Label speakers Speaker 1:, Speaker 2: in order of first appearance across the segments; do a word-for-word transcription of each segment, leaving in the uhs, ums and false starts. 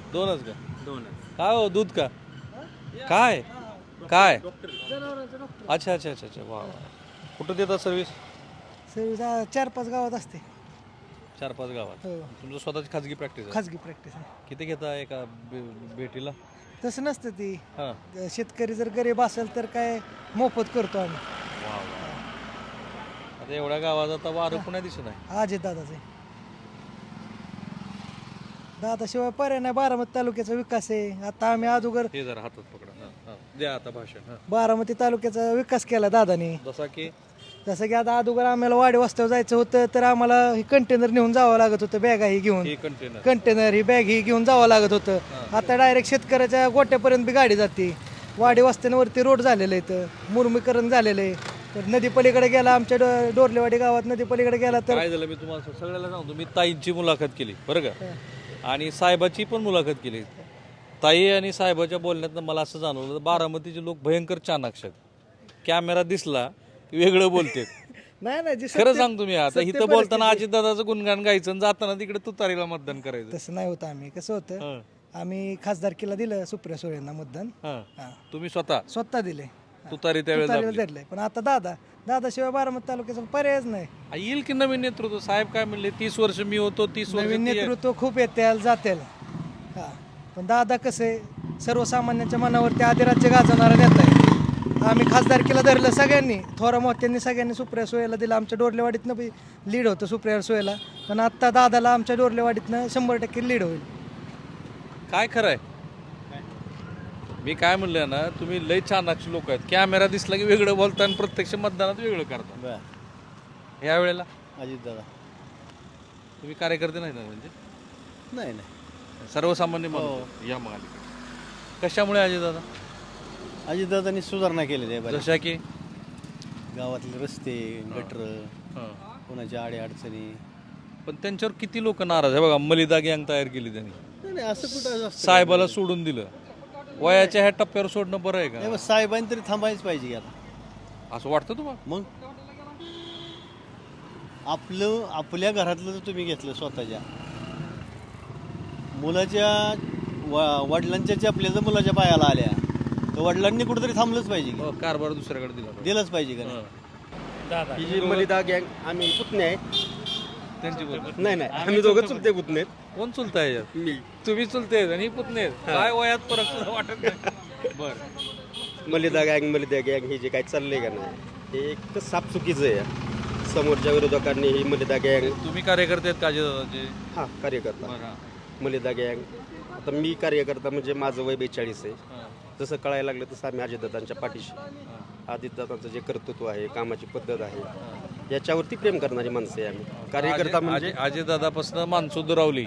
Speaker 1: दोनच का?
Speaker 2: दोनच.
Speaker 1: काय हो दूध का काय काय अच्छा अच्छा अच्छा अच्छा वा वा. कुठं देतात सर्व्हिस?
Speaker 3: सर्विस चार पाच गावात असते.
Speaker 1: चार पाच गावात.
Speaker 3: हो.
Speaker 1: तुमचं स्वतःची खाजगी प्रॅक्टिस आहे?
Speaker 3: खाजगी प्रॅक्टिस आहे.
Speaker 1: किती घेता एका बे- भेटीला?
Speaker 3: तसं नसतं ती.
Speaker 1: हां
Speaker 3: शेतकरी जर गरीब असेल तर काय मोफत करतो आम्ही.
Speaker 1: वा वा. आता एवढ्या गावात आता वारं पुण्या दिसत नाही.
Speaker 3: अजित दादाचे दादाशिवाय पर्याय नाही. बारामती तालुक्याचा विकास आहे. आता आम्ही अगोदर
Speaker 1: हे जरा हातात पकडा. हां हां द्या आता भाषण. हां
Speaker 3: बारामती तालुक्याचा विकास केला दादाने.
Speaker 1: जसा की
Speaker 3: जसं की आता अगोदर आम्हाला वाडी वाजतावर जायचं होतं तर आम्हाला हे कंटेनर नेऊन जावं लागत होतं. बॅगा ही घेऊन
Speaker 1: हे कंटेनर
Speaker 3: कंटेनर ही बॅग ही घेऊन जावं लागत होतं. आता डायरेक्ट शेतकऱ्याच्या गोट्यापर्यंत बी गाडी जाते. वाडी वस्त्यांवरती रोड झालेलं आहे, तर मुरमीकरण झालेलं आहे. तर नदी पलीकडे गेला आमच्या डो- डोरलेवाडी गावात नदी पलीकडे गेला तर
Speaker 1: काय झालं मी तुम्हाला सगळ्याला सांगतो. मी ताईंची मुलाखत केली बरं का, आणि साहेबाची पण मुलाखत केली. ताई आणि साहेबाच्या बोलण्यातनं मला असं जाणवलं बारामतीचे लोक भयंकर चाणाक्ष आहेत. कॅमेरा दिसला की वेगळं बोलते.
Speaker 3: नाही नाही जी
Speaker 1: खरं
Speaker 3: सत्य-
Speaker 1: सांगतो मी आता
Speaker 3: सत्य
Speaker 1: इथं बोलताना
Speaker 3: परिस्थिती.
Speaker 1: अजितदादाचं गुणगान गायचं आणि जाताना तिकडे तुतारीला मतदान करायचं.
Speaker 3: तसं नाही होतं. आम्ही कसं होतं
Speaker 1: हं,
Speaker 3: आम्ही खासदारकीला दिलं सुप्रिया सुळेंना मतदान.
Speaker 1: हं.
Speaker 3: हा.
Speaker 1: तुम्ही स्वतः
Speaker 3: स्वतः दिले.
Speaker 1: तुतारी त्यावेळेला
Speaker 3: तुतारीला
Speaker 1: दाबली.
Speaker 3: धरलंय. पण आता दादा दादाशिवाय बारामती तालुक्याचा पर्यायच नाही.
Speaker 1: आ, येईल की नवीन नेतृत्व. साहेब काय म्हणले, तीस वर्ष मी होतो, तीस वर्ष
Speaker 3: नवीन
Speaker 1: ती आहे.
Speaker 3: नेतृत्व खूप येतील जातील. हा पण दादा कसे सर्वसामान्यांच्या मनावरती आदिराज्य गाजवणारा नेता आहे. आम्ही खासदारकीला धरलं सगळ्यांनी. थोरा मोठ्यांनी सगळ्यांनी सुप्रिया सुळेला दिलं. आमच्या डोरलेवाडीतनं बी लीड होतं सुप्रिया सुळेला. पण आत्ता दादाला आमच्या डोरलेवाडीतनं शंभर टक्के लीड होईल.
Speaker 1: काय खरंय? मी काय म्हणलं ना, तुम्ही लय चाणाक्ष लोक आहेत. कॅमेरा दिसला की वेगळं बोलता आणि प्रत्यक्ष मतदानात वेगळं करता. ह्या वेळेला
Speaker 2: अजित दादा.
Speaker 1: तुम्ही कार्यकर्ते नाही ना, म्हणजे
Speaker 2: नाही नाही
Speaker 1: सर्वसामान्य माणूस. या मग अलीकडे कशामुळे अजय दादा?
Speaker 2: अजित दादांनी सुधारणा केलेली आहे बऱ्याच.
Speaker 1: जशा की
Speaker 2: गावातले रस्ते, गटर,
Speaker 1: हं.
Speaker 2: कोणाच्या आडे अडचणी.
Speaker 1: पण त्यांच्यावर किती लोक नाराज आहे बघा. मलिदा गँग तयार केली त्यांनी.
Speaker 2: नाही नाही, असं कुठं असतं?
Speaker 1: साहेबाला सोडून दिलं. वयाच्या ह्या टप्प्यावर सोडणं बरं आहे
Speaker 2: नाही,
Speaker 1: का?
Speaker 2: मग साहेबांनी तरी थांबायच पाहिजे की आता.
Speaker 1: असं वाटतं तुम्हाला?
Speaker 2: मग आपलं आपल्या घरातलं जर तुम्ही घेतलं स्वतःच्या मुलाच्या व- वडिलांच्या चपल्या जर मुलाच्या पायाला आल्या तर वडिलांनी कुठेतरी थांबलंच पाहिजे की.
Speaker 1: हो, कारभार दुसऱ्याकडे दिला.
Speaker 2: दिलंच पाहिजे का नाही?
Speaker 1: हं.
Speaker 4: ही जी मलिदा गँग आम्ही पुतणे आहे.
Speaker 1: त्यांची बोल.
Speaker 4: नाही नाही आम्ही दोघं चुलते पुतणे आहेत.
Speaker 1: कोण चुलता आहे यात?
Speaker 4: मी
Speaker 1: तुम्ही चुलते आहेत आणि ही पुतणे आहेत. काय वयात फरक सुद्धा वाटत नाही. बरं.
Speaker 4: मलिदा गँग मलिदा गँग हे जे काय चाललंय का नाही हे एक साफ चुकीचं आहे. समोरच्या विरोधकांनी ही मलिदा गँग
Speaker 1: तुम्ही कार्यकर्ते आहेत का अजय?
Speaker 4: हा कार्यकर्ता
Speaker 1: बरं.
Speaker 4: मलिदा गँग. आता मी कार्यकर्ता म्हणजे माझं वय बेचाळीस आहे.
Speaker 1: हां.
Speaker 4: जसं कळायला लागलं तसं आम्ही अजितदादांच्या पाठीशी. अजितदादांचं जे कर्तृत्व आहे, कामाची पद्धत आहे, याच्यावरती प्रेम करणारी माणसं आहे आम्ही. कार्यकर्ता म्हणजे
Speaker 1: अजय दादापासून माणसं दुरावली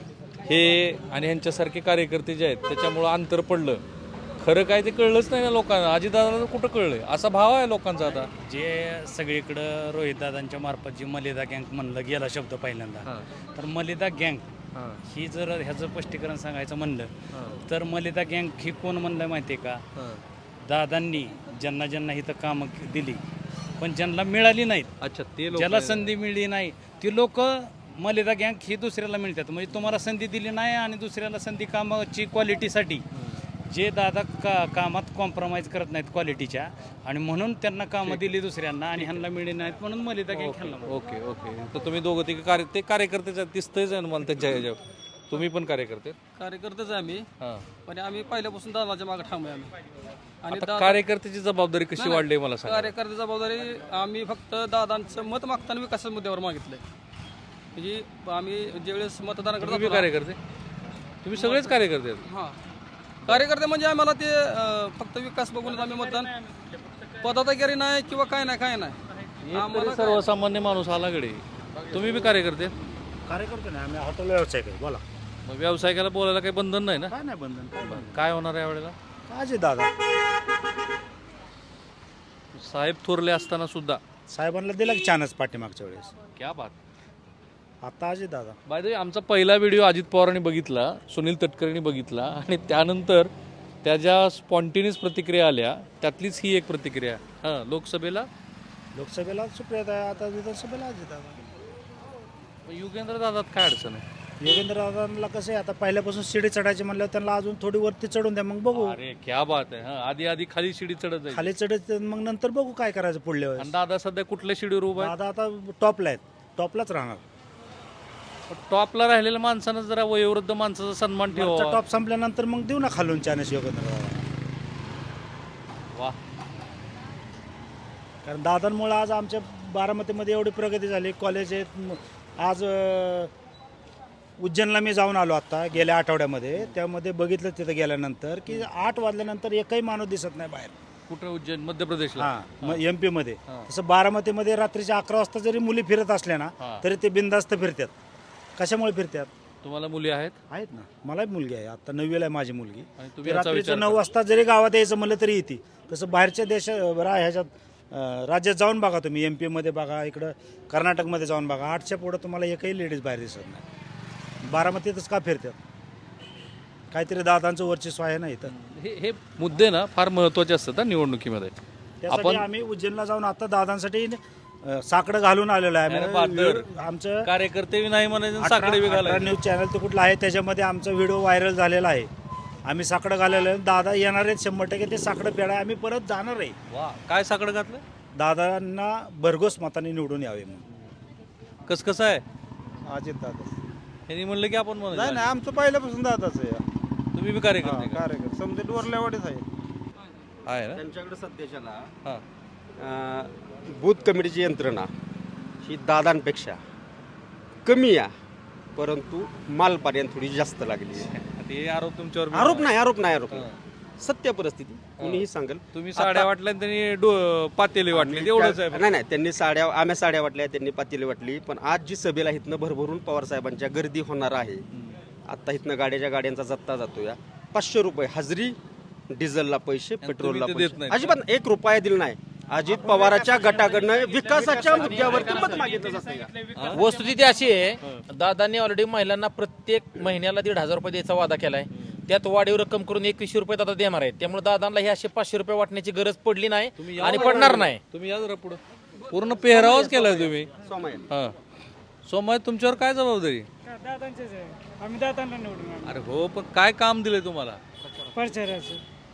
Speaker 1: हे आणि ह्यांच्यासारखे कार्यकर्ते जे आहेत त्याच्यामुळं अंतर पडलं. खरं काय ते कळलंच नाही ना लोकांना. अजितदादाला कुठं कळलंय? असा भाव आहे लोकांचा आता.
Speaker 5: जे सगळीकडं रोहितदादांच्या मार्फत जी मलिदा गँग म्हणलं गेला शब्द पहिल्यांदा, तर मलिदा गँग ही जर ह्याचं स्पष्टीकरण सांगायचं म्हणलं तर मलिदा गँग ही कोण म्हणलं माहिती आहे का? दादांनी ज्यांना ज्यांना इथं कामं दिली पण ज्यांना मिळाली नाहीत,
Speaker 1: अच्छा ते लोक
Speaker 5: ज्याला संधी मिळली नाही ती लोक मलिदा गँग ही दुसऱ्याला मिळतात. म्हणजे तुम्हाला संधी दिली नाही आणि दुसऱ्याला संधी कामाची क्वालिटीसाठी जे दादा का कामात कॉम्प्रोमाइज करत नाहीत क्वालिटीच्या, आणि म्हणून त्यांना कामं दिली दुसऱ्यांना आणि ह्यांना मिळली नाहीत म्हणून मलिदा गँग खेळला.
Speaker 1: Okay okay. तर तुम्ही दोघं तिघ कार्य ते कार्यकर्तेच आहेत, दिसतंयच आहे ना मला त्यांच्या ह्याच्यावर. तुम्ही पण कार्यकर्ते?
Speaker 6: कार्यकर्तेच आहे आम्ही.
Speaker 1: हां.
Speaker 6: पण आम्ही पहिल्यापासून दादाच्या मागे ठाम आहे आम्ही. आणि
Speaker 1: आता
Speaker 6: दादा-
Speaker 1: कार्यकर्त्याची जबाबदारी कशी वाढली मला सांगा.
Speaker 6: कार्यकर्ते जबाबदारी आम्ही फक्त दादांचं मत मागताना विकासाच्या मुद्द्यावर मागितलंय. म्हणजे आम्ही ज्यावेळेस मतदानाकडे
Speaker 1: तुम्ही
Speaker 6: जातो
Speaker 1: बी कार्यकर्ते? तुम्ही सगळेच कार्यकर्ते आहेत?
Speaker 6: हां कार्यकर्ते म्हणजे आम्हाला ते अं, फक्त विकास बघूनच आम्ही मतदान. पदाधिकारी नाही किंवा काय नाही काय नाही
Speaker 1: एक तरी
Speaker 6: आम्हाला काय-
Speaker 1: सर्वसामान्य माणूस आलाकडे. तुम्ही बी कार्यकर्ते?
Speaker 7: कार्यकर्ते नाही, आम्ही हॉटेल व्यवसाय करू. बोला.
Speaker 1: मग व्यावसायिकाला बोलायला काही बंधन नाही ना?
Speaker 7: काय नाही बंधन, काय बंधन.
Speaker 1: काय होणार आहे यावेळेला?
Speaker 7: अजित दादा
Speaker 1: साहेब थोरले असताना सुद्धा.
Speaker 7: साहेबांना दिला की चानच पाठीमागच्या वेळेस.
Speaker 1: क्या बात.
Speaker 7: आता अजित दादा.
Speaker 1: बाय द वे आमचा पहिला व्हिडिओ अजित पवारांनी बघितला, सुनील तटकरेंनी बघितला, आणि त्यानंतर त्या ज्या स्पॉन्टेनियस प्रतिक्रिया आल्या त्यातलीच ही एक प्रतिक्रिया. हां, लोकसभेला
Speaker 7: लोकसभेला सुप्रिया, आता विधानसभेला अजित दादा.
Speaker 1: युगेंद्र दादात काय अडचण आहे?
Speaker 7: योगेंद्र दादांना कसं आहे आता पहिल्यापासून शिडी चढायची म्हणल्यावर त्यांना अजून थोडी वरती चढून द्या मग बघू
Speaker 1: अरे क्या बात आहे हा आधी आधी खाली शिडी चढत जाईल
Speaker 7: खाली चढत मग नंतर बघू काय करायचं पुढल्या
Speaker 1: आणि
Speaker 7: वेळेस
Speaker 1: दादा सध्या कुठल्या शिडीवर उभा आहे
Speaker 7: दादा आता टॉपला आहेत टॉपलाच राहणार
Speaker 1: टॉपला राहिलेल्या माणसानं जरा वयोवृद्ध माणसाचा सन्मान ठेवा
Speaker 7: टॉप संपल्यानंतर मग देऊ ना खालून चान्स योगेंद्र दादा
Speaker 1: वा
Speaker 7: कारण दादांमुळे आज आमच्या बारामतीमध्ये एवढी प्रगती झाली कॉलेज आहेत म- आज अं, उज्जैनला मी जाऊन आलो आता गेल्या आठवड्यामध्ये त्यामध्ये बघितलं तिथं गेल्यानंतर की आठ वाजल्यानंतर एकही माणूस दिसत नाही बाहेर
Speaker 1: कुठं उज्जैन मध्य प्रदेशला
Speaker 7: हां एम पी मध्ये तसं बारामतीमध्ये रात्रीच्या अकरा वाजता जरी मुली फिरत असल्या ना
Speaker 1: हां.
Speaker 7: तरी ते बिनधास्त फिरतात कशामुळे फिरतात
Speaker 1: तुम्हाला मुली आहेत
Speaker 7: आहेत ना मला मुलगी आहे आता नववीला आहे माझी मुलगी
Speaker 1: आणि तुम्ही
Speaker 7: ती
Speaker 1: याचा विचार
Speaker 7: रात्रीचं नऊ वाजता जरी गावात यायचं म्हणलं तरी येते तसं बाहेरच्या देशा रा- ह्याच्यात अं, राज्यात जाऊन बघा तुम्ही एम पीमध्ये बघा इकडं कर्नाटकमध्ये जाऊन बघा आठच्या पुढं तुम्हाला एकही लेडीज बाहेर दिसत नाही बारामतीतच का फिरतात काहीतरी दादांचं वर्चस्व आहे ना इथं
Speaker 1: हे हे मुद्दे ना फार महत्वाचे असतात ना निवडणुकीमध्ये
Speaker 7: त्यासाठी
Speaker 1: आपण
Speaker 7: आम्ही उज्जैनला जाऊन आता दादांसाठी अं, साकडं घालून आलेलो आहे
Speaker 1: अरे
Speaker 7: आम्ही
Speaker 1: बहादर.
Speaker 7: व्हिडिओ- आमचं
Speaker 1: कार्यकर्ते बी नाही म्हणायचे साकडे बी
Speaker 7: अठरा
Speaker 1: घालायचे
Speaker 7: न्यूज चॅनल ते कुठलं आहे त्याच्यामध्ये आमचा व्हिडिओ व्हायरल झालेला आहे आम्ही साकडं घालेलं आहे दादा येणार आहेत शंभर टक्के ते साकडं पेडा आम्ही परत जाणार आहे
Speaker 1: वा काय साकडं घातलं
Speaker 7: दादांना भरघोस मताने निवडून यावे म्हणून
Speaker 1: कस कसं आहे
Speaker 2: अजित दादा
Speaker 1: यांनी म्हणलं की आपण
Speaker 2: नाही
Speaker 1: म्हणायचं.
Speaker 2: नाही आमचं पहिल्यापासून दादाच आहे
Speaker 1: तुम्ही बी कार्यकर्ते का?
Speaker 2: कार्यक्रम समजा डोरल्यावाडीच आहे
Speaker 1: आहे ना
Speaker 4: त्यांच्याकडे सध्याच्याला
Speaker 1: हा
Speaker 4: अं, बूथ कमिटीची यंत्रणा ही दादांपेक्षा कमी आहे परंतु मालपर्यंत थोडी जास्त लागली आहे.
Speaker 1: ते आरोप तुमच्यावर बी
Speaker 4: आरोप
Speaker 1: आहे.
Speaker 4: नाही आरोप नाही आरोप
Speaker 1: हा.
Speaker 4: नाही. सत्य परिस्थिती कुणीही सांगेल
Speaker 1: तुम्ही साड्या वाटल्या आणि त्यांनी डो- पातेली वाटली एवढंच आहे
Speaker 4: नाही नाही त्यांनी साड्या आम्ही साड्या वाटल्या त्यांनी पातेली वाटली पण आज जी सभेला इथनं भरभरून पवार साहेबांच्या गर्दी होणार आहे आता इथनं गाड्याच्या गाड्यांचा जत्ता जातो या पाचशे रुपये हजरी डिझेलला पैसे पेट्रोलला
Speaker 1: तुम्ही ते देत
Speaker 4: पैसे
Speaker 1: नाही.
Speaker 4: अजिबात एक रुपया दिला नाही अजित पवाराच्या गटाकडनं विकासाच्या मुद्द्यावरती मत मागितलं जातं
Speaker 8: वस्तुस्थिती अशी आहे दादांनी ऑलरेडी महिलांना प्रत्येक महिन्याला दीड हजार रुपये द्यायचा वादा केलाय त्यात वाढीव रक्कम करून एकवीसशे रुपये दादा देणार आहेत त्यामुळे दादांना हे असे पाचशे रुपये वाटण्याची गरज पडली नाही
Speaker 1: तुम्ही या
Speaker 8: आणि
Speaker 1: जरा
Speaker 8: पडणार
Speaker 1: पुढं.
Speaker 8: नाही
Speaker 1: तुम्ही या जरा पुढं पूर्ण पेहरावच केलाय तुम्ही
Speaker 4: सोमय
Speaker 1: हा सोमय तुमच्यावर काय जबाबदारी
Speaker 9: दादांचेच आहे आम्ही दादांना निवडून आणू.
Speaker 1: अरे हो पण काय काम दिलंय तुम्हाला
Speaker 9: प्रचाराचं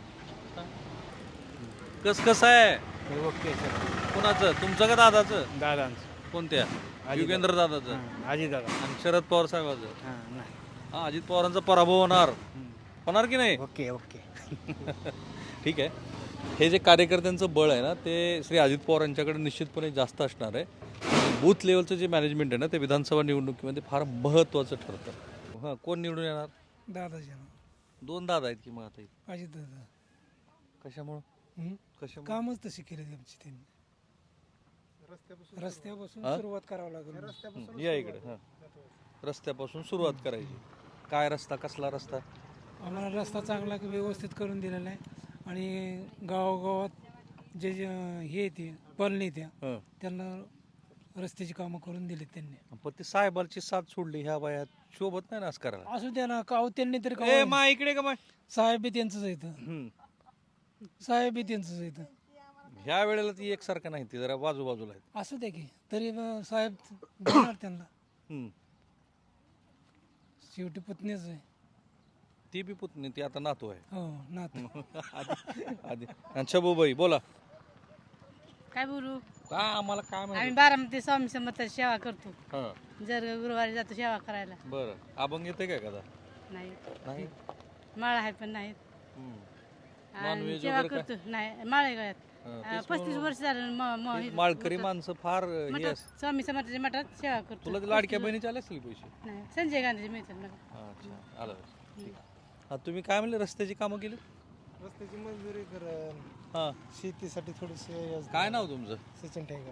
Speaker 1: कस कसं आहे कुणाचं तुमचं का दादाचं
Speaker 9: दादांचं
Speaker 1: कोणत्या युगेंद्र दादाचं
Speaker 9: आजी दादा
Speaker 1: आणि शरद पवार साहेबाचं
Speaker 9: हां नाही
Speaker 1: हा अजित पवारांचा पराभव होणार होणार की नाही
Speaker 9: ओके ओके
Speaker 1: ठीक आहे हे जे कार्यकर्त्यांचं बळ आहे ना ते श्री अजित पवार यांच्याकडे निश्चितपणे जास्त असणार आहे बूथ लेवलचं जे मॅनेजमेंट आहे ना ते विधानसभा निवडणुकीमध्ये फार महत्त्वाचं ठरतं हां कोण निवडून येणार
Speaker 3: दादाजी
Speaker 1: दोन दादा आहेत की मग आता इथे.
Speaker 3: अजित दादा
Speaker 1: कशामुळं कशामुळं
Speaker 3: कामच तशी केली आमची त्यांनी रस्त्यापासून
Speaker 1: हा?
Speaker 3: सुरुवात करावं लागेल
Speaker 1: हं, या इकडे हां रस्त्यापासून सुरुवात करायची काय रस्ता कसला रस्ता
Speaker 3: आम्हाला रस्ता चांगला व्यवस्थित करून दिलेला आहे आणि गावागावात जे जे हे येते कॉलनी त्या
Speaker 1: हं.
Speaker 3: त्यांना रस्त्याची कामं करून दिलीत त्यांनी
Speaker 1: पण ते साहेबांची साथ सोडली ह्या वयात शोभत नाही ना असं करायला
Speaker 3: असू द्या ना काव त्यांनी तरी
Speaker 1: ए
Speaker 3: काव
Speaker 1: मा इकडे का माय
Speaker 3: साहेब बी त्यांचंच येतं
Speaker 1: हं.
Speaker 3: साहेब बी त्यांचंच येतं
Speaker 1: ह्या वेळेला ती एकसारखं नाही ती जरा बाजूबाजूला आहेत
Speaker 3: असू द्या की तरी मग साहेब देणार त्यांना
Speaker 1: हं.
Speaker 3: शेवटी पुतणीच आहे
Speaker 1: ती बी पुतणी ती आता नातू आहे
Speaker 3: हो नात
Speaker 1: आधी आधी अच्छा बाई बोला
Speaker 10: काय बोलू
Speaker 1: का आम्हाला काय
Speaker 10: आम्ही
Speaker 1: माहिती
Speaker 10: बारामती स्वामी समर्थाची सेवा करतो
Speaker 1: हां
Speaker 10: जर गुरुवारी जातो सेवा करायला
Speaker 1: बरं अभंग येते काय कदा
Speaker 10: नाही
Speaker 1: नाही
Speaker 10: माळ आहे पण नाहीत
Speaker 1: हं.
Speaker 10: आणि
Speaker 1: नॉनव्हेज
Speaker 10: सेवा
Speaker 1: वगैरे काय?
Speaker 10: करतो नाही माळ आहे गळ्यात
Speaker 1: हां,
Speaker 10: अं,
Speaker 1: तेच
Speaker 10: पस्तीस
Speaker 1: म्हणून.
Speaker 10: वर्ष झालं म- म-
Speaker 1: ती
Speaker 10: हे-
Speaker 1: माळकरी माणसं फार हे
Speaker 10: मठात
Speaker 1: असं-
Speaker 10: स्वामी समर्थाच्या मठात सेवा करतो
Speaker 1: तुला ते लाडक्या बहिणीचे आले असतील पैसे
Speaker 10: नाही संजय गांधीचे मिळतात मला
Speaker 1: हां, अच्छा आलं ठीक आहे. हां तुम्ही काय म्हणले रस्त्याची कामं केली
Speaker 3: रस्त्याची मंजुरी करण
Speaker 1: हां
Speaker 3: शेतीसाठी थोडीशी
Speaker 1: काय नाव तुमचं
Speaker 3: सचिन ठेंगल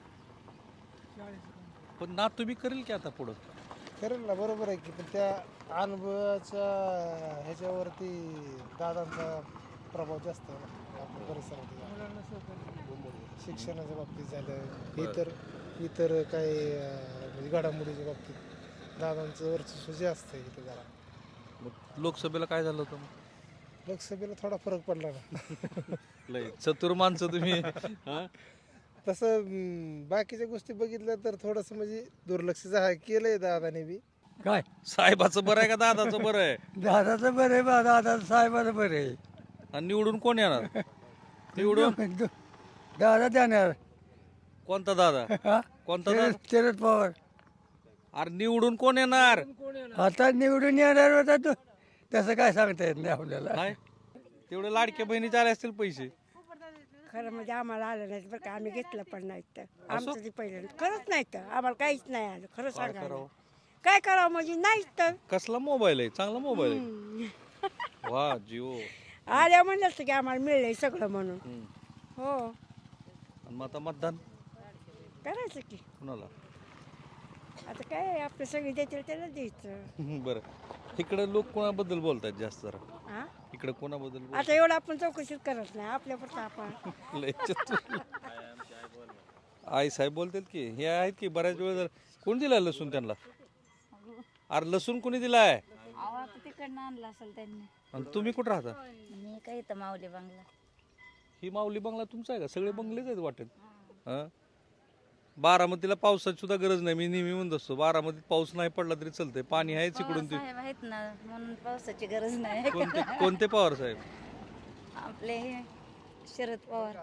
Speaker 1: पण ना तुम्ही करेल की आता पुढं
Speaker 3: करेल ना बरोबर आहे की पण त्या अनुभवाच्या ह्याच्यावरती दादांचा प्रभाव जास्त आहे ना आपल्या परिसरात शिक्षणाच्या बाबतीत झालं इतर इतर काही अं, म्हणजे घडामोडीच्या बाबतीत दादांचं वर्चस्व जास्त आहे इथं जरा
Speaker 1: मग लोकसभेला काय झालं होतं मग
Speaker 3: लोकसभेला थोडा फरक पडला ना
Speaker 1: लय चतुर माणसं तुम्ही हां
Speaker 3: तसं अं, बाकीच्या गोष्टी बघितल्या तर थोडंसं म्हणजे दुर्लक्ष झा केलंय दादाने बी
Speaker 11: काय
Speaker 1: साहेबाचं बरं आहे का दादाचं बरं आहे?
Speaker 11: दादाचं बरं आहे बा दादा साहेबाचं बरं आहे
Speaker 1: आणि निवडून कोण येणार? निवडून
Speaker 11: दादा देणार
Speaker 1: कोणता दादा?
Speaker 11: हा?
Speaker 1: कोणता
Speaker 11: शरद
Speaker 1: दादा?
Speaker 11: शरद पवार
Speaker 1: अरे निवडून कोण येणार?
Speaker 11: आता निवडून येणार होता तो तसं काय सांगता येत नाही आपल्याला
Speaker 1: नाही तेवढे लाडक्या बहिणीचे आले असतील पैसे.
Speaker 12: खरं म्हणजे आम्हाला आलं नाही बरं का आम्ही घेतलं पण नाही तर आमचं ते पहिलं खरंच नाही तर आम्हाला काहीच नाही आलं खरं सांगायला
Speaker 1: करावं?
Speaker 12: काय करावं म्हणजे नाहीच तर
Speaker 1: कसला मोबाईल आहे? चांगला मोबाईल आहे. वा जिओ.
Speaker 12: आल्या म्हणलं असतं की आम्हाला मिळलंय सगळं म्हणून
Speaker 1: हम्म.
Speaker 12: हो
Speaker 1: आणि मग आता मतदान
Speaker 12: करायचं की
Speaker 1: कुणाला?
Speaker 12: आता काय आपलं सगळी देतील त्याला द्यायचं
Speaker 1: बरं इकडे लोक कोणाबद्दल बोलतात जास्त जरा?
Speaker 12: हा
Speaker 1: इकडे कोणाबद्दल बोलतात?
Speaker 12: आता एवढं आपण चौकशीच करत नाही आपल्यापुरतं आपण
Speaker 1: लय चतुर. आई साहेब बोलतात की हे आहेत की बऱ्याच वेळ जर कोण दिला लसूण त्यांना? अरे लसूण कोणी दिलाय?
Speaker 10: आता तिकडनं आणला असेल त्यांनी.
Speaker 1: आणि तुम्ही कुठं राहता?
Speaker 10: मी काय इथं माऊली बंगला.
Speaker 1: ही माऊली बंगला तुमचा आहे का? सगळे बंगलेच आहेत वाटेल. हं? बारामतीला पावसाची सुद्धा गरज नाही. मी नेहमी म्हणत असतो बारामतीत पाऊस नाही पडला तरी चालतंय, पाणी आहेच इकडून ते.
Speaker 10: साहेब आहेत ना म्हणून पावसाची गरज नाही.
Speaker 1: कोणते कोणते पवार साहेब?
Speaker 10: आपले हे शरद पवार.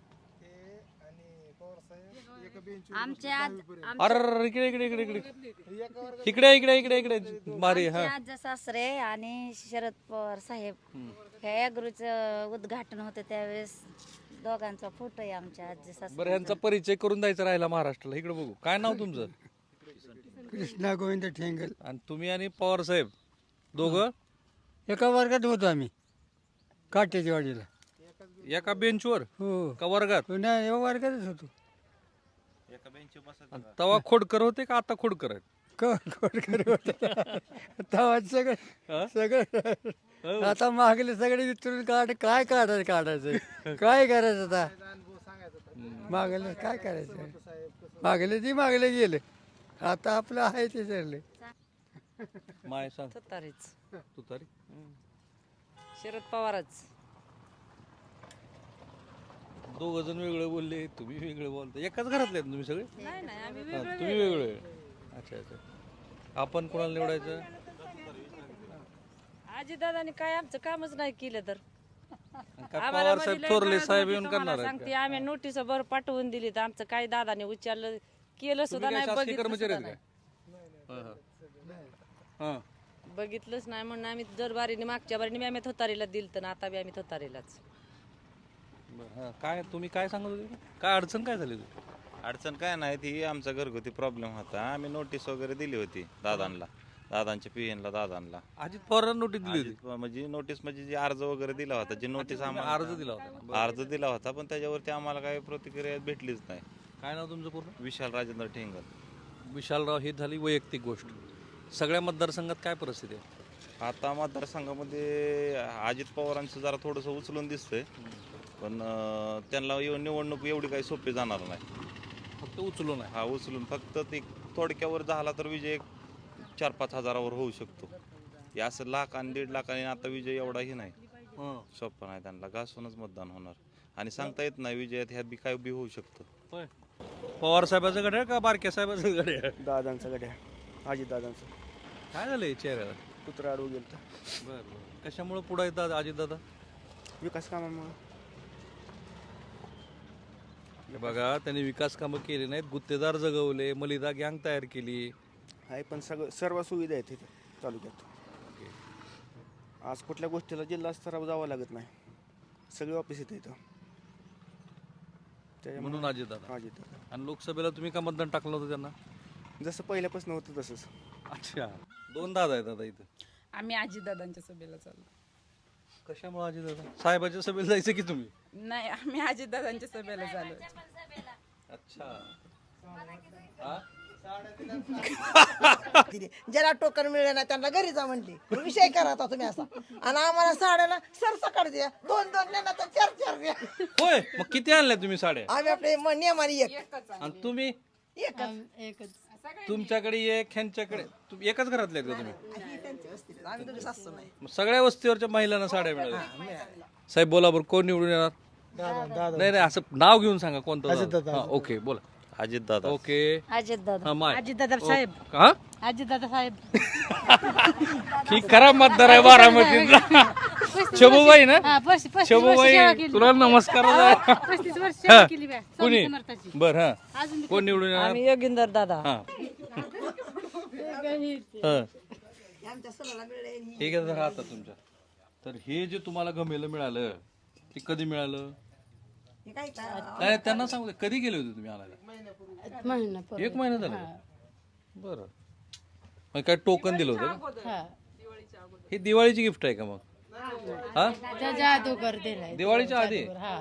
Speaker 10: आमच्या
Speaker 1: अरे इकडे इकडे इकडे इकडे इकडे इकडे इकडे इकडे मारे हा
Speaker 10: आजी सासरे आणि शरद पवार साहेब ह्या ॲग्रोचं उद्घाटन होतं त्यावेळेस दोघांचा फोटो आहे आमच्या आजी सासरे.
Speaker 1: बरं ह्यांचा परिचय करून द्यायचा राहिला महाराष्ट्राला. इकडे बघू काय नाव तुमचं?
Speaker 11: कृष्णा गोविंद ठेंगल
Speaker 1: आणि तुम्ही आणि पवार साहेब दोघं
Speaker 11: एका वर्गात होतो आम्ही काट्याच्या वाडीला.
Speaker 1: एका बेंचवर
Speaker 11: हो
Speaker 1: का वर्गात?
Speaker 11: नाही एका वर्गातच होतो.
Speaker 1: आणि तवा खोडकर होते का आता खोडकर आहेत?
Speaker 11: तवा सगळं सगळं आता मागले सगळे विचारून काढ काय काढायचं काढायचं काय करायचं आता मागले काय करायचं मागले ती मागले गेले आता आपलं आहे ते चालले.
Speaker 1: माय सांग
Speaker 13: तुतारीच
Speaker 1: तुतारी.
Speaker 13: शरद पवारच.
Speaker 1: दोघ जण वेगळे बोलले, तुम्ही वेगळे बोलता. एकाच घरातले आहेत तुम्ही सगळे?
Speaker 13: नाही नाही आम्ही
Speaker 1: हा, तुम्ही वेगळे. अच्छा अच्छा. आपण कोणाला निवडायचं?
Speaker 13: आजीदादांनी काय आमचं कामच नाही केलं तर
Speaker 1: काय पवार साहेब थोरले साहेब येऊन करणार आहेत
Speaker 13: सांगते
Speaker 1: का?
Speaker 13: आम्ही नोटीस बर पाठवून दिली तर आमचं काही दादाने उच्चारलं केलं सुद्धा
Speaker 1: तुम्ही काय
Speaker 13: नाही
Speaker 1: शासकीय
Speaker 13: बघितलं
Speaker 1: कर्मचारी
Speaker 13: सुद्धा
Speaker 1: आहेत काय? हा, हा.
Speaker 13: नाही. बघितलंच नाही म्हणून आम्ही दर बारीने मागच्या बारीने आम्ही थोतारीला दिल तर आता बी आम्ही थोतारीलाच.
Speaker 1: बरं, हा. काय तुम्ही काय सांगत होते? काय अडचण काय झाली?
Speaker 14: अडचण काय नाही, ती आमचा घरगुती प्रॉब्लेम होता. आम्ही नोटीस वगैरे दिली होती दादांना, दादांच्या पीएनला दादांना.
Speaker 1: अजित पवारांना नोटीस दिली होती?
Speaker 14: अजित- म्हणजे नोटीस म्हणजे जे अर्ज वगैरे दिला होता, जे नोटीस आम्हाला
Speaker 1: अर्ज दिला होता.
Speaker 14: अर्ज दिला होता पण त्याच्यावरती आम्हाला काही प्रतिक्रिया भेटलीच नाही.
Speaker 1: काय नाव तुमचं पूर्ण?
Speaker 14: विशाल राजेंद्र ठेंगल.
Speaker 1: विशालराव, ही झाली वैयक्तिक गोष्ट. सगळ्या मतदारसंघात काय परिस्थिती आहे
Speaker 14: आता मतदारसंघामध्ये अजित पवारांचं जरा थोडंसं उचलून दिसतंय, पण अं, त्यांना येऊ- निवडणूक एवढी काही सोपी जाणार नाही.
Speaker 1: फक्त उचलून आहे?
Speaker 14: हा उचलून फक्त ते थोडक्यावर झाला तर विजय चार पाच हजारावर होऊ शकतो. हे असं लाख आणि दीड लाख आणि आता विजय एवढाही नाही सोपं नाही. त्यांना घासूनच मतदान होणार आणि सांगता येत नाही विजयात ह्यात बी काय बी होऊ शकतं.
Speaker 1: पवार साहेबाचं गड्या का बारक्या साहेबाचं गड्या?
Speaker 15: दादांचं गड्या, अजित दादांचं.
Speaker 1: काय झालंय चेहऱ्याला?
Speaker 15: कुत्रा अडवू गेलं.
Speaker 1: बरं बरं. कशामुळे पुढे येतात अजित दादा?
Speaker 15: विकास कामामुळे.
Speaker 1: हे बघा, त्यांनी विकास कामं केली नाहीत, गुत्तेदार जगवले, मलिदा गँग तयार केली
Speaker 15: आहे, पण सगळं सर्व सुविधा आहेत इथे तालुक्यात. आज कुठल्या गोष्टीला जिल्हा स्तरावर जावं लागत नाही, सगळे ऑफिस येते इथं. त्याच्यामुळे
Speaker 1: म्हणून अजित दादा.
Speaker 15: अजित दादा.
Speaker 1: आणि लोकसभेला तुम्ही का मतदान टाकलं होतं त्यांना?
Speaker 15: जसं पहिल्यापासून होतं तसंच.
Speaker 1: अच्छा, दोन दादा आहेत आता इथं.
Speaker 16: आम्ही आजीदादांच्या सभेला चाललो.
Speaker 1: कशामुळे अजित दादा? साहेबाच्या सभेला जायचं की तुम्ही?
Speaker 16: नाही, आम्ही आजीदादांच्या सभेला चाललो.
Speaker 1: अच्छा.
Speaker 17: ज्याला टोकन मिळलं नाही त्यांना घरी जा म्हणली, विषय करा आता तुम्ही असा. आणि आम्हाला साड्याला सरसकट द्या, दोन दोन नाही तर चार चार द्या.
Speaker 1: होय, मग किती आणल्या तुम्ही साड्या?
Speaker 17: आम्ही आपले म- नियमाने एक.
Speaker 1: आणि तुम्ही?
Speaker 17: एकच एकच.
Speaker 1: तुमच्याकडे एक, ह्यांच्याकडे तुम- एकाच घरातले आहेत का तुम्ही?
Speaker 17: आम्ही तुझी सासू नाही.
Speaker 1: मग सगळ्या वस्तीवरच्या महिलांना साड्या मिळाल्या. साहेब बोला बरं, कोण निवडून येणार? नाही नाही, असं नाव घेऊन सांगा कोणतं.
Speaker 11: अजित दादा.
Speaker 1: हा, ओके बोला.
Speaker 14: अजित दादा
Speaker 1: ओके
Speaker 10: अजित दादा
Speaker 1: हा, माय.
Speaker 10: अजितदादा
Speaker 1: ओ-
Speaker 10: साहेब.
Speaker 1: हा
Speaker 10: अजितदादा साहेब.
Speaker 1: ही खरा मतदार आहे बारामतीचा. शोभूबाई ना
Speaker 10: हा, पस्तीस- पस्तीस वर्ष
Speaker 1: शोभूबाई
Speaker 10: सेवा केली.
Speaker 1: तुला नमस्कार
Speaker 10: हो, पस्तीस वर्ष सेवा केली बा, स्वामी
Speaker 1: कुणी
Speaker 10: समर्थाची.
Speaker 1: बर हा
Speaker 10: अजून
Speaker 1: कोण निवडून येणार?
Speaker 13: आम्ही योगिंदर दादा.
Speaker 1: हा हा. ठीक आहे जरा आता तुमच्या तर हे जे तुम्हाला गमेलं मिळालं ते कधी मिळालं नाही त्यांना सांगू दे. कधी गेले होते तुम्ही आणायला?
Speaker 10: महिना पूर्वी.
Speaker 1: एक महिना झाला बरं मग काय टोकन दिलं होतं का?
Speaker 10: हा.
Speaker 1: ही दिवाळीची गिफ्ट आहे का मग हा
Speaker 10: त्याच्या अगोदर दिलाय.
Speaker 1: दिवाळीच्या आधी
Speaker 10: हा.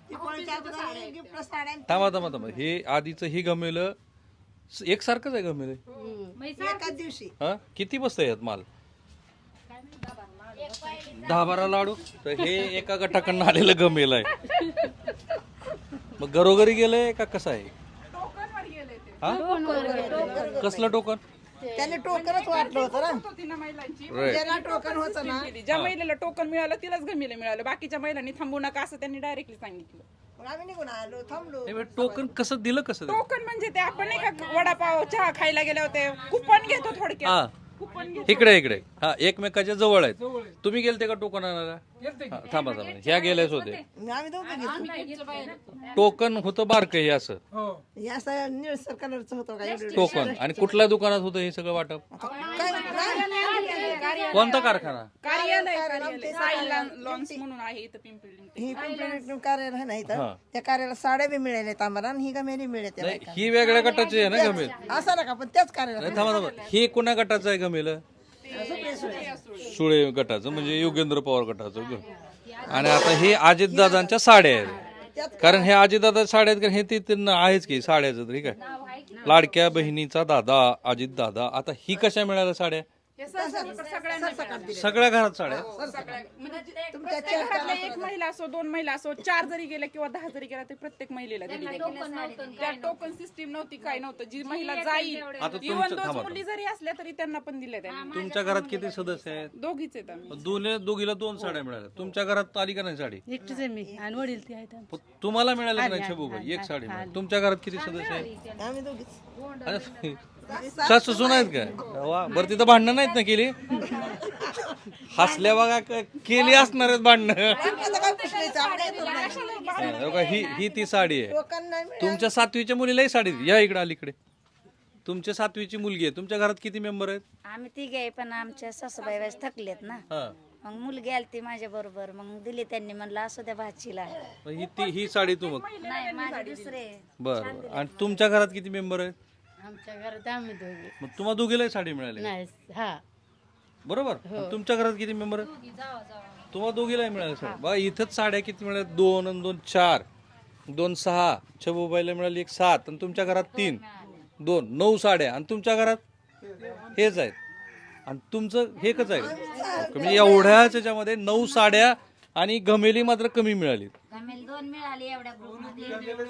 Speaker 1: थांबा थांबा थांबा हे आधीचं हे गमेलं एकसारखंच आहे गमेलं
Speaker 17: एकाच दिवशी
Speaker 1: हा किती बसतं यात माल दहा बारा लाडू तर हे एका गटाकडनं आलेलं गमेल आहे मग घरोघरी गेलंय का कसं आहे हा कसलं टोकन
Speaker 17: त्याने टोकनच वाटलं होतं ना
Speaker 1: Right.
Speaker 17: ज्याला टोकन होतं ना
Speaker 16: ज्या महिलेला टोकन मिळालं तिलाच गमिले मिळालं, बाकीच्या महिलांनी थांबू नका असं त्यांनी डायरेक्टली सांगितलं.
Speaker 17: मग आम्ही निघून आलो थांबलो.
Speaker 1: टोकन कसं दिलं कसं दिलं?
Speaker 16: टोकन म्हणजे ते आपण नाही का वडापाव चहा खायला गेले होते, कुपन घेतो
Speaker 1: हा
Speaker 16: थोडक्यात. कुपन घेतो.
Speaker 1: इकडे इकडे हा एकमेकाच्या जवळ आहेत तुम्ही गेलते का टोकन आणायला हा, थांबा थांबा ह्या गेल्याच होते
Speaker 17: आम्ही दोघं घेतलो.
Speaker 1: टोकन होतं बारकं हे असं
Speaker 17: हे असं निळसर कलरचं होतं का एवढं-
Speaker 1: टोकन आणि कुठल्या दुकानात होतं हे सगळं वाटप कोणता कारखाना
Speaker 16: कार्यालय कार्यालय साई लॉन्स म्हणून आहे इथं पिंपरी.
Speaker 17: ही पिंपरी कार्यालय आहे ना इथं
Speaker 1: हा.
Speaker 17: त्या कार्याला साड्या बी मिळाल्यात आम्हाला आणि ही गमेली मिळते
Speaker 1: नाही ही वेगळ्या गटाची आहे ना गमेल
Speaker 17: असं नका पण त्याच कार्याला
Speaker 1: नाही थांबा थांबा हे कोणा गटाचं आहे गमेल सुळे गटाचं म्हणजे योगेंद्र पवार गटाचं ग. आणि आता हे अजितदादांच्या साड्या आहेत कारण हे अजितदादा साड्या आहेत कारण हे ते त्यांना आहेच की साड्याचं ठीक आहे लाडक्या बहिणीचा दादा अजित दादा आता ही कशा मिळाल्या साड्या सगळ्या घरात साड्या
Speaker 16: तुमच्या घरातल्या एक महिला असो दोन महिला असो चार जरी गेल्या किंवा दहा जरी गेल्या तरी प्रत्येक महिलेला दिली जाते. त्या टोकन सिस्टीम नव्हती काय नव्हतं जी महिला जाईल
Speaker 1: आता तुमचं-
Speaker 16: इव्हन दोन
Speaker 1: थांबा.
Speaker 16: मुली जरी असल्या तरी त्यांना पण दिल्या त्यांनी.
Speaker 1: तुमच्या घरात किती सदस्य आहेत
Speaker 16: दोघीच आहेत आम्ही.
Speaker 1: दोन दोघीला दोन साड्या मिळाल्या तुमच्या घरात आली का नाही साडी
Speaker 10: एकटीच आहे मी आणि वडील ते आहेत.
Speaker 1: तुम्हाला मिळाली का नाही शबूबाई एक साडी मिळाली तुमच्या घरात किती सदस्य आहेत
Speaker 17: आम्ही दोघीच
Speaker 1: अरे, सासू सुन आहेत का वा बरं तिथं भांडणं नाहीत ना केली हसल्या बघा क- केली असणार आहेत भांडणं
Speaker 17: आता काय पुसलायचं आपल्या इथं नाही.
Speaker 1: हे बघा, ही ही ती साडी आहे
Speaker 17: टोकन नाही मिळालं.
Speaker 1: तुमच्या सातवीच्या मुलीलाही साडी दे. या इकडे अलीकडे तुमच्या सातवीची मुलगी आहे तुमच्या घरात किती मेंबर आहेत
Speaker 10: आम्ही तिघे आहे पण आमच्या सासूबाई वाईस थकलेत ना
Speaker 1: हा
Speaker 10: मग मुलगी आली ती माझ्या बरोबर मग दिली त्यांनी म्हणलं असू द्या भाचीला.
Speaker 1: मग ही ती ही साडी तू मग
Speaker 10: नाही माझे दुसरे
Speaker 1: बर बर. आणि तुमच्या घरात किती मेंबर आहेत
Speaker 10: आमच्या घरात आम्ही दोघे
Speaker 1: मग तुम्हाला दोघीलाही साडी मिळाली
Speaker 10: नाही हा
Speaker 1: बरोबर आणि तुमच्या घरात किती मेंबर आहेत तुम्हाला दोघीलाही मिळाली साडी बघा इथंच साड्या किती मिळाल्या दोन आणि दोन चार दोन सहा छबूबाईला मिळाली एक सात आणि तुमच्या घरात तीन दोन नऊ साड्या आणि तुमच्या घरात हेच आहेत आणि तुमचं हे एकच आहे म्हणजे एवढ्याच त्याच्यामध्ये नऊ साड्या आणि गमेली मात्र कमी मिळाली
Speaker 10: गमेल दोन मिळाली एवढ्या ग्रुपमध्ये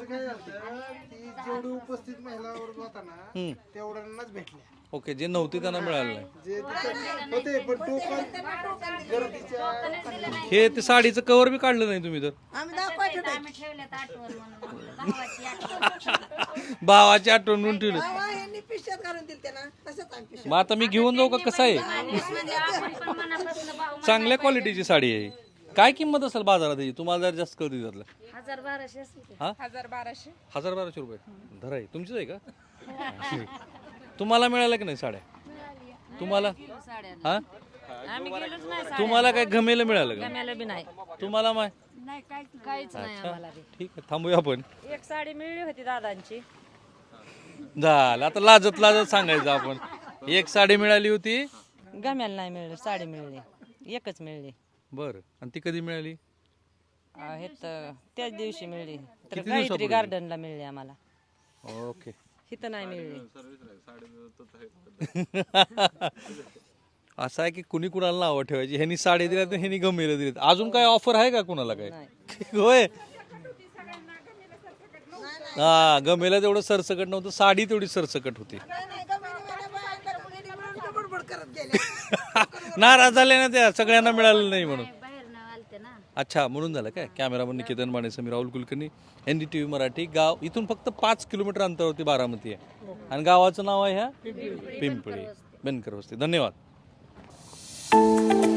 Speaker 3: जेवढी उपस्थित महिला वर्ग होता ना
Speaker 1: हम्म.
Speaker 3: तेवढ्यांनाच भेटल्या
Speaker 1: ओके जे नव्हते त्यांना मिळालं नाही
Speaker 3: जे तिथं होते पण टोकन गर्दीच्या
Speaker 1: हे ते साडीचं कवर बी काढलं नाही तुम्ही तर
Speaker 17: आम्ही दाखवायचं
Speaker 10: आम्ही ठेवल्यात आठवण म्हणून भावाची आठवण.
Speaker 1: भावाची आठवण म्हणून ठेवली
Speaker 17: बाबा यांनी पिशव्यात घालून दिल त्यांना तसंच आम्ही पिशव्यात.
Speaker 1: मग आता मी घेऊन जाऊ का कसं आहे
Speaker 10: म्हणजे आपण पण मनापासून भाऊ
Speaker 1: चांगल्या क्वालिटीची साडी आहे काय किंमत असेल बाजारात याची? तुम्हाला जर जास्त कळते त्यातलं
Speaker 10: हजार बाराशे असेल ते.
Speaker 1: हा
Speaker 16: हजार बाराशे
Speaker 1: हजार बाराशे रुपये धरा आहे तुमचीच आहे का तुम्हाला मिळालं की नाही साड्या तुम्हाला हा
Speaker 13: आम्ही गेलोच नाही
Speaker 1: तुम्हाला काय गमेलं मिळालं का
Speaker 13: गम्याला बी नाही
Speaker 1: तुम्हाला माय
Speaker 13: नाही काहीच नाही
Speaker 1: अच्छा,
Speaker 13: आम्हाला बी.
Speaker 1: ठीक आहे थांबूया आपण
Speaker 13: एक साडी मिळली होती दादांची
Speaker 1: झालं आता लाजत लाजत सांगायचं आपण एक साडी मिळाली होती
Speaker 13: गम्याला नाही मिळली साडी मिळली एकच मिळली
Speaker 1: बर आणि ती कधी मिळाली
Speaker 13: हे तर त्याच दिवशी मिळली तर
Speaker 1: किती
Speaker 13: गायत्री
Speaker 1: दिवसापूर्वी?
Speaker 13: गार्डनला मिळली आम्हाला
Speaker 1: ओके
Speaker 13: इथं नाही मिळली
Speaker 1: असं आहे की कुणी कुणाला नावं ठेवायची ह्यांनी साडी दिल्या तर ह्यांनी गमेलं दिलेत अजून काय ऑफर आहे का कुणाला काय होय हा गमेला तेवढं सरसकट नव्हतं साडी तेवढी सरसकट होती
Speaker 17: बडबड करत गेले
Speaker 1: नाराज झाले ना त्या सगळ्यांना मिळालं नाही म्हणून
Speaker 10: बाहेर ना आलते ना
Speaker 1: अच्छा, म्हणून झालं काय. Cameraman Niketan Mane, Sameer Rahul Kulkarni, N D T V Marathi. गाव इथून फक्त पाच किलोमीटर अंतरावरती बारामती आहे आणि गावाचं नाव आहे ह्या पिंपळी, बनकर वस्ती. धन्यवाद.